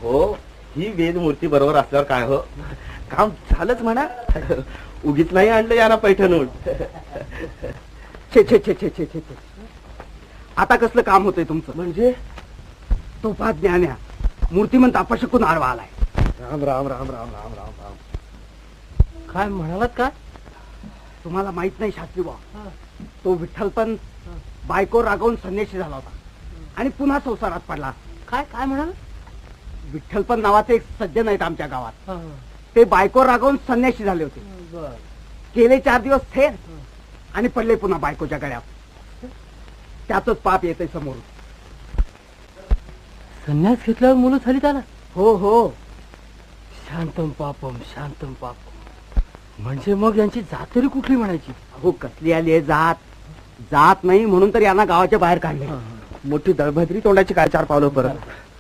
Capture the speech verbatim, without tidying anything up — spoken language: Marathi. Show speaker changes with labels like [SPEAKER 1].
[SPEAKER 1] अहो ही वेद मूर्ती बरोबर असल्यावर काय हो, काम झालंच म्हणा. उगीच नाही आणलं याना पैठणून.
[SPEAKER 2] छे छे छे छे छे छे छे. आता कसलं काम होतंय तुमचं?
[SPEAKER 1] म्हणजे
[SPEAKER 2] तो पाच ज्ञान्या मूर्तिमंत अपशकून आडवा आलाय.
[SPEAKER 1] राम राम राम राम राम राम राम.
[SPEAKER 3] काय म्हणालात काय?
[SPEAKER 2] तुम्हाला माहित नाही शास्त्री बा, तो विठ्ठल पण बायको रागवून संन्याशी झाला होता आणि पुन्हा संसारात पडला.
[SPEAKER 3] काय काय म्हणाल?
[SPEAKER 2] विठ्ठल पण नावाचे एक सज्जन आहेत आमच्या गावात. ते बायको रागवून संन्याशी झाले होते. गेले चार दिवस थेर आणि पडले पुन्हा बायकोच्या गळ्यात. त्याच पाप येते समोर.
[SPEAKER 3] संन्यास घेतल्यावर मुलं झाली त्याला?
[SPEAKER 2] हो हो.
[SPEAKER 3] शांतम पापम शांतम पापम. म्हणजे मग यांची जात तरी कुठली म्हणायची?
[SPEAKER 2] हो कसली आली आहे जात? जात नाही म्हणून तर यांना गावाच्या बाहेर काढले.
[SPEAKER 1] मोठी दळभद्री तोंडाची काय चार पावलं परत.